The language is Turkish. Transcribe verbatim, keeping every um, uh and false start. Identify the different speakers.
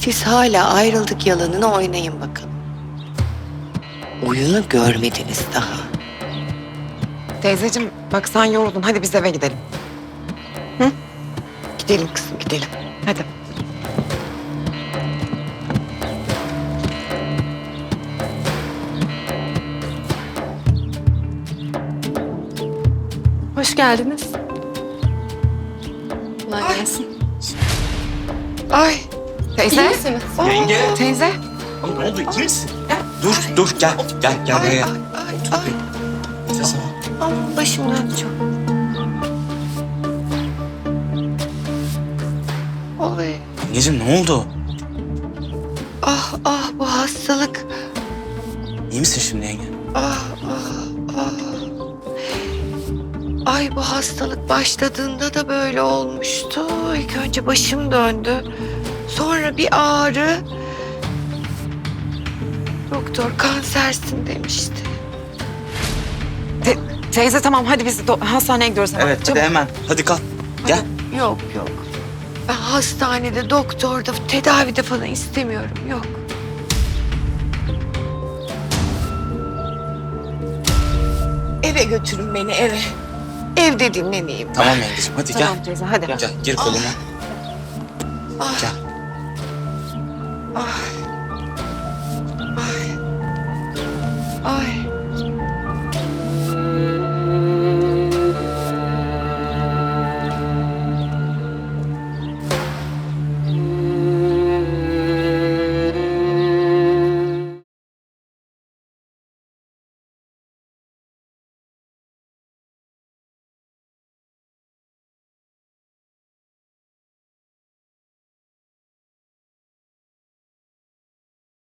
Speaker 1: Siz hala ayrıldık yalanını oynayın bakalım. Oyunu görmediniz daha.
Speaker 2: Teyzeciğim bak sen yoruldun. Hadi biz eve gidelim. Hı? Gidelim kızım gidelim. Hadi.
Speaker 3: Hoş geldiniz. Kolay gelsin.
Speaker 2: Ay. Teyze.
Speaker 3: İyi misiniz?
Speaker 2: Oo,
Speaker 4: Yenge.
Speaker 2: Teyze.
Speaker 4: Oğlum ne oldu? İyi misin? Dur, dur. Gel, gel, gel
Speaker 1: Ay, ay,
Speaker 4: buraya.
Speaker 1: ay, ay.
Speaker 4: Nefes al.
Speaker 1: Aman başım döndü çok. Oy.
Speaker 4: Yengeciğim ne oldu?
Speaker 1: Ah ah bu hastalık.
Speaker 4: İyi misin şimdi yenge?
Speaker 1: Ah ah ah. Ay bu hastalık başladığında da böyle olmuştu. İlk önce başım döndü. Sonra bir ağrı. Doktor kansersin demişti.
Speaker 2: Te- teyze tamam hadi biz do- hastaneye gidiyoruz hemen.
Speaker 4: Evet, hadi hemen. Hadi kalk. Gel.
Speaker 1: Yok yok. Ben hastanede, doktorda, tedavide falan istemiyorum. Yok. Eve götürün beni eve. Evde dinleneyim.
Speaker 4: Tamam yengeciğim, hadi gel.
Speaker 2: Tamam teyze hadi.
Speaker 4: Gel, gir koluma.
Speaker 1: Ah.
Speaker 4: Gel.